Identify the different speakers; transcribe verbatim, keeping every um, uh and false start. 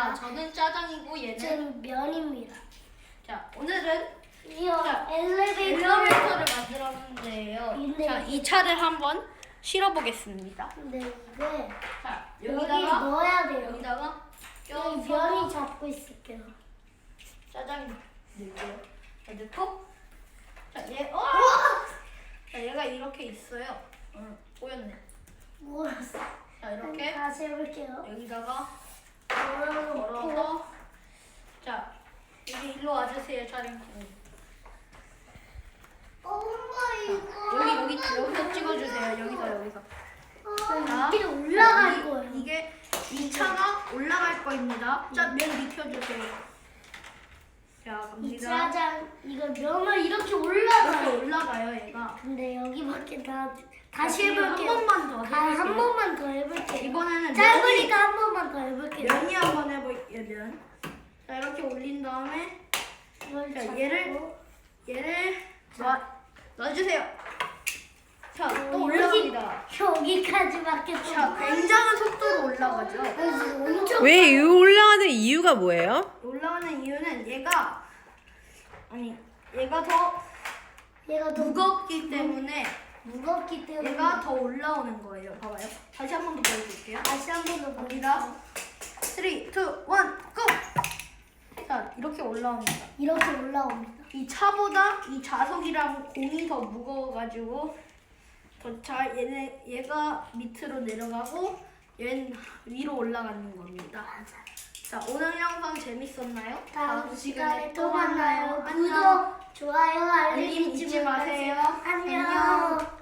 Speaker 1: 자, 저는 짜장이고 얘는
Speaker 2: 저는 면입니다.
Speaker 1: 자, 오늘은
Speaker 2: 이어
Speaker 1: 자,
Speaker 2: 엘리베이터를
Speaker 1: 엘리베이터를 만들었는데요.
Speaker 2: 근데-
Speaker 1: 자, 이 차를 한번 실어 보겠습니다.
Speaker 2: 근데 이게
Speaker 1: 자,
Speaker 2: 여기
Speaker 1: 여기다가
Speaker 2: 넣어야 돼요.
Speaker 1: 여기다가
Speaker 2: 여기
Speaker 1: 껴서
Speaker 2: 면이 잡고 있을게요.
Speaker 1: 짜장이 넣을게요. 자, 넣고 자, 얘 어! 자, 얘가 이렇게 있어요. 어, 보였네.
Speaker 2: 몰랐어.
Speaker 1: 자, 이렇게
Speaker 2: 다시 해볼게요.
Speaker 1: 여기다가
Speaker 2: 걸어놓고
Speaker 1: 걸어서 자, 여기 일로 와주세요, 촬영팀.
Speaker 2: 엄마 이거
Speaker 1: 여기 여기 여기서 찍어주세요. 여기서 여기서. 자,
Speaker 2: 이게 올라갈
Speaker 1: 이-
Speaker 2: 거예요.
Speaker 1: 이게 이 차가 올라갈 거입니다. 자, 면 익혀주세요. 자,
Speaker 2: 이
Speaker 1: 갑니다.
Speaker 2: 짜장 이거 면을 이렇게
Speaker 1: 이렇게
Speaker 2: 올라가요.
Speaker 1: 올라가요, 얘가.
Speaker 2: 근데 여기밖에 다 다시 해볼게요.
Speaker 1: 한 번만 더
Speaker 2: 아,
Speaker 1: 해볼게요.
Speaker 2: 한 번만 더 해볼게요.
Speaker 1: 이번에는
Speaker 2: 짧으니까 한 번만 더 해볼게요.
Speaker 1: 면이 한번 해볼게요, 면. 자, 이렇게 올린 다음에
Speaker 2: 이걸
Speaker 1: 자,
Speaker 2: 잡고
Speaker 1: 얘를 얘를 놔 놔주세요. 자, 또
Speaker 2: 어,
Speaker 1: 올라갑니다.
Speaker 2: 여기까지밖에 좀.
Speaker 1: 자, 굉장한 속도로 올라가죠.
Speaker 2: 그래서 엄청
Speaker 3: 왜 이 올라가는 이유가 뭐예요?
Speaker 1: 올라가는 이유는 얘가 아니 얘가 더
Speaker 2: 얘가 더
Speaker 1: 무겁기 때문에
Speaker 2: 무겁기 때문에
Speaker 1: 얘가 더 올라오는 거예요. 봐봐요. 다시 한 번 더 보여줄게요.
Speaker 2: 다시 한 번 더
Speaker 1: 갑니다. 삼, 이, 일, 고! 자, 이렇게 올라옵니다.
Speaker 2: 이렇게 올라옵니다.
Speaker 1: 이 차보다 이 자석이랑 공이 더 무거워가지고 더 잘 얘네 얘가 밑으로 내려가고 얘는 위로 올라가는 겁니다. 자, 오늘 영상 재밌었나요?
Speaker 2: 다음 시간에 또 만나요.
Speaker 1: 안녕.
Speaker 2: 구독, 좋아요, 알림
Speaker 1: 알림 잊지 마세요.
Speaker 2: 안녕.